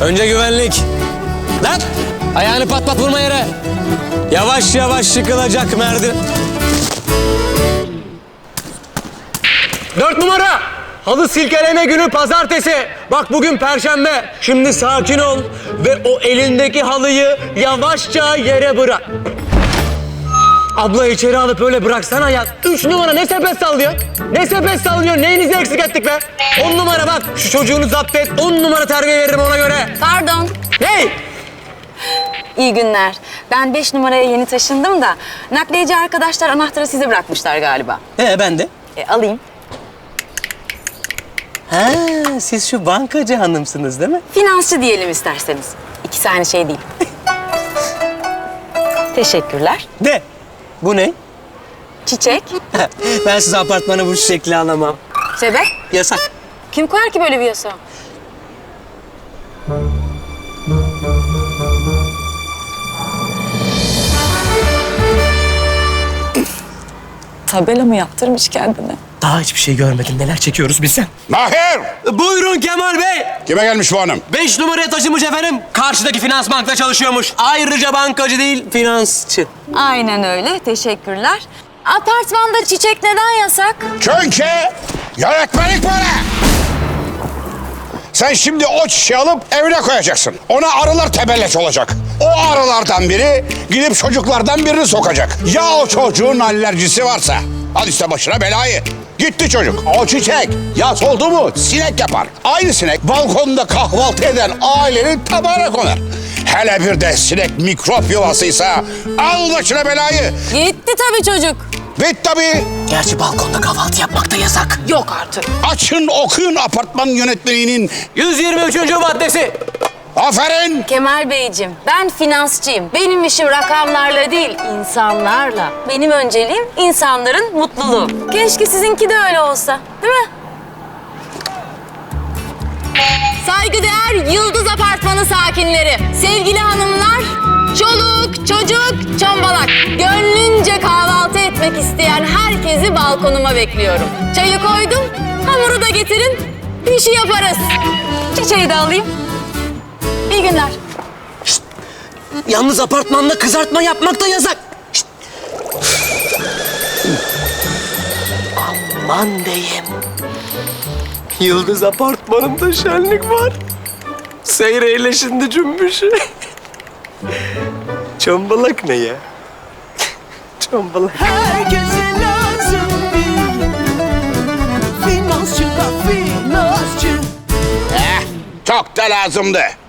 Önce güvenlik. Lan! Ayağını pat pat vurma yere. Yavaş yavaş yıkılacak merdiven. 4 numara. Halı silkeleme günü pazartesi. Bak bugün perşembe. Şimdi sakin ol ve o elindeki halıyı yavaşça yere bırak. Abla içeri alıp öyle bıraksana ya. 3 numara ne sepet sallıyor? Ne sepet sallıyor? Neyinizi eksik ettik be? 10 numara bak. Şu çocuğunu zapt et. 10 numara terbiye veririm ona göre. Pardon. Hey! İyi günler. Ben 5 numaraya yeni taşındım da nakliyeci arkadaşlar anahtarı size bırakmışlar galiba. Ben de. Alayım. Ha, siz şu bankacı hanımsınız değil mi? Finansçı diyelim isterseniz. İkisi aynı şey değil. Teşekkürler. De. Bu ne? Çiçek. Ben size apartmanı bu şekli alamam. Sebep? Yasak. Kim koyar ki böyle bir yasağı? Tabela mı yaptırmış kendine? Daha hiçbir şey görmedim. Neler çekiyoruz biz sen? Mahir! Buyurun Kemal Bey. Kime gelmiş bu hanım? 5 numaraya taşınmış efendim. Karşıdaki finans bankta çalışıyormuş. Ayrıca bankacı değil, finansçı. Aynen öyle. Teşekkürler. Apartmanda çiçek neden yasak? Çünkü yönetmelik böyle. Sen şimdi o çiçeği alıp evine koyacaksın. Ona arılar tebelleç olacak. O arılardan biri gidip çocuklardan birini sokacak. Ya o çocuğun alerjisi varsa? Al işte başına belayı. Gitti çocuk. O çiçek yaz oldu mu sinek yapar. Aynı sinek balkonda kahvaltı eden ailenin tabağına konar. Hele bir de sinek mikrop yuvasıysa al başına belayı. Gitti tabii çocuk. Bit tabii. Gerçi balkonda kahvaltı yapmak da yasak. Yok artık. Açın okuyun apartman yönetmeliğinin. 123. maddesi. Aferin. Kemal Beyciğim, ben finansçıyım. Benim işim rakamlarla değil, insanlarla. Benim önceliğim insanların mutluluğu. Keşke sizinki de öyle olsa, değil mi? Saygıdeğer Yıldız Apartmanı sakinleri, sevgili hanımlar, çoluk, çocuk, çombalak. Gönlünce kahvaltı etmek isteyen herkesi balkonuma bekliyorum. Çayı koydum, hamuru da getirin, pişi yaparız. Çiçeği de alayım. İyi günler. Yalnız apartmanda kızartma yapmak da yasak. Şişt. Aman diyeyim. Yıldız apartmanında şenlik var. Seyreyle şimdi cümbüşü. Çombalak ne ya? Çombalak. Herkese lazım bir finansçı da finansçı. Çok da lazımdı.